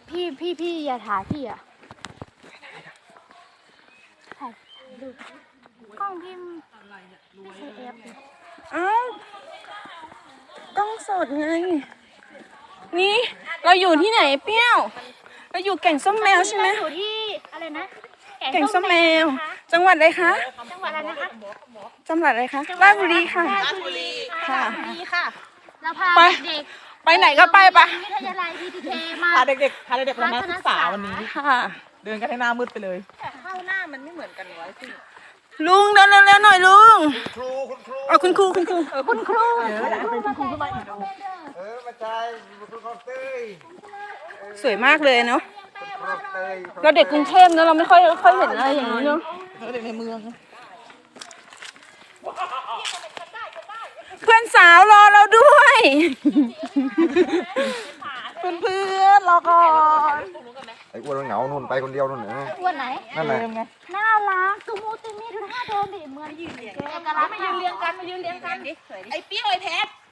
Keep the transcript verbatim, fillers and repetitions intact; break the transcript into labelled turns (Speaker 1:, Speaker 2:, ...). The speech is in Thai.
Speaker 1: พี่พี่พี่อย่าถ่ายพี่อ่ะถ่ายดูกล้องพี่ไม่ใช่เอฟ
Speaker 2: เอ้าต้องสดไงนี่เราอยู่ที่ไหนเปรี้ยวเราอยู่แก่งส้มแมวใช่ไหม
Speaker 1: อยู่ที่อะไรนะ
Speaker 2: แก่งส้มแมวจังหวัดอะไรคะ
Speaker 1: จังหวัดอะไรนะคะ
Speaker 2: จังหวัดอะไรคะราชบุรีค่ะ
Speaker 1: ราชบุรี
Speaker 2: ค่ะ
Speaker 1: ดีค่ะเราพา
Speaker 2: ไป
Speaker 1: เด็ก
Speaker 2: ไปไหนก็ไปปะ
Speaker 1: วิทยาลัยทีทีเคมา
Speaker 3: พาเด็กๆพาเด็กๆไปมาศึกษาวันนี้
Speaker 2: ค่ะ
Speaker 3: เดินกันให้หน้ามืดไปเลย
Speaker 4: ข้าวหน้ามันไม่เหมือนกันไว้สิ
Speaker 2: ลุงเดินเร็วๆหน่อยลุง
Speaker 5: ครูคุณครู
Speaker 2: เอาคุณครูคุณครู
Speaker 1: คุณครู
Speaker 3: เดี๋ยวจะเป็นคุณครูขึ้นมาอีกดู
Speaker 5: เออมาใจคุณครูคลองเตย
Speaker 2: สวยมากเลยเนาะ
Speaker 5: คลองเตย
Speaker 2: เราเด็กกรุงเทพเนอะเราไม่ค่อยค่อยเห็นอะไรอย่างนี้เนาะ
Speaker 3: เด็กในเมือง
Speaker 2: เพื่อนสาวรอเราด้วย
Speaker 3: เพื่อนๆรอก่อน
Speaker 5: ไอ้อ้วนมันเหงานู่นไปคนเดียวนู่นเหรอ
Speaker 1: อ้วนไหน
Speaker 5: นั่นแหละ
Speaker 3: ไง
Speaker 1: น่ารักตูมูติมีดูท่าเดินดิเหมือนยืนเอกลักษณ์
Speaker 4: มายืนเรียงกันมายืนเรียงกันดิไอ้เปี้ยวไอ้แพท